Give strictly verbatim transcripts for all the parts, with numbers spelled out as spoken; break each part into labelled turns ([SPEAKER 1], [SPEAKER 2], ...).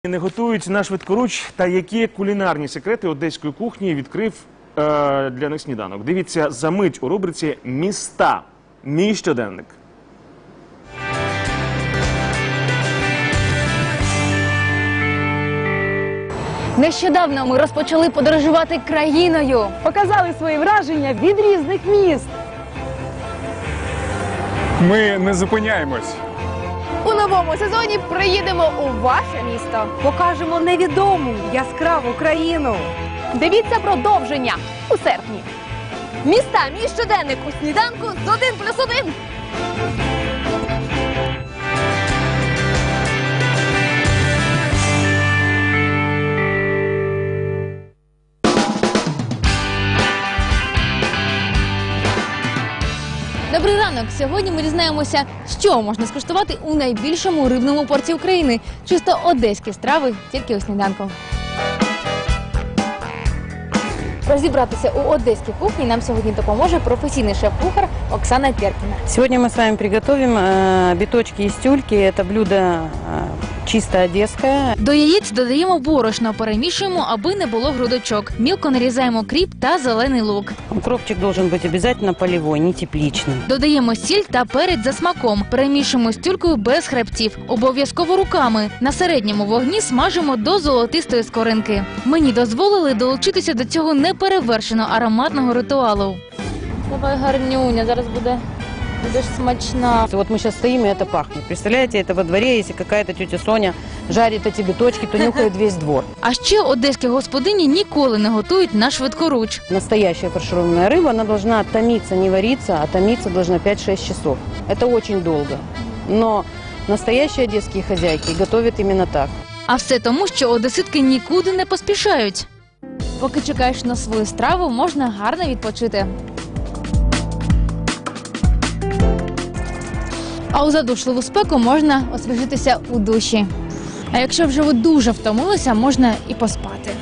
[SPEAKER 1] Не готують на швидкоруч та які кулінарні секрети одеської кухні відкрив е, для них сніданок. Дивіться за мить у рубриці «Міста. Мій щоденник».
[SPEAKER 2] Нещодавно ми розпочали подорожувати країною.
[SPEAKER 3] Показали свої враження від різних міст.
[SPEAKER 4] Ми не зупиняємось.
[SPEAKER 2] У новому сезоні приїдемо у ваше місто.
[SPEAKER 3] Покажемо невідому, яскраву країну.
[SPEAKER 2] Дивіться продовження у серпні. Міста, мій щоденник у сніданку з один плюс один. Добрий ранок! Сьогодні ми дізнаємося, що можна скуштувати у найбільшому рибному порті України. Чисто одеські страви, тільки у сніданку. Розібратися у одеській кухні нам сьогодні допоможе професійний шеф-кухар Оксана Перкіна.
[SPEAKER 5] Сегодня мы с вами приготовим э, биточки из тюльки. Это блюдо э, чисто одесское.
[SPEAKER 2] До яєць додаємо борошно, перемішуємо, аби не було грудочок. Мілко нарізаємо кріп та зелений лук.
[SPEAKER 5] Укропчик должен быть обязательно полевой, не тепличный.
[SPEAKER 2] Додаємо сіль та перець за смаком. Перемішуємо з тюлькою без хребтів. Обов'язково руками. На середньому вогні смажимо до золотистої скоринки. Мені дозволили долучитися до цього неперевершено ароматного ритуалу. Давай, гарнюня, зараз буде, буде смачна.
[SPEAKER 5] Вот мы сейчас стоим, и это пахнет. Представляете, это во дворе, если какая-то тетя Соня жарит эти биточки, то нюхает весь двор.
[SPEAKER 2] А ще одеські господині ніколи не готують на швидкоруч.
[SPEAKER 5] Настоящая фаршированная рыба, она должна томиться, не вариться, а томиться должна пять-шесть часов. Это очень долго. Но настоящие одесские хозяйки готовят именно так.
[SPEAKER 2] А все тому, що одеситки нікуди не поспішають. Поки чекаєш на свою страву, можна гарно відпочити. А у задушливу спеку можна освіжитися у душі. А якщо вже ви дуже втомилися, можна і поспати.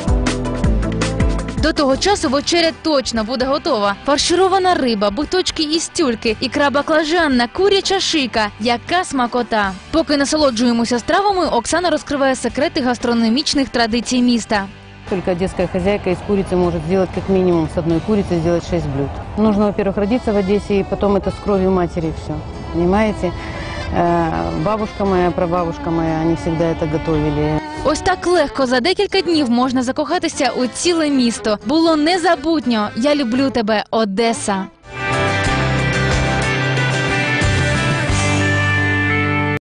[SPEAKER 2] До того часу вечеря точно буде готова. Фарширована риба, биточки із тюльки, ікра баклажанна, куряча шийка. Яка смакота! Поки насолоджуємося стравами, Оксана розкриває секрети гастрономічних традицій міста.
[SPEAKER 5] Только одесская хозяйка из курицы может сделать как минимум с одной курицы сделать шесть блюд. Нужно, во-первых, родиться в Одессе, и потом это с кровью матери все. Понимаете? Бабушка моя, прабабушка моя, они всегда это готовили.
[SPEAKER 2] Ось так легко за декілька днів можна закохатися у ціле місто. Було незабутньо. Я люблю тебе, Одеса.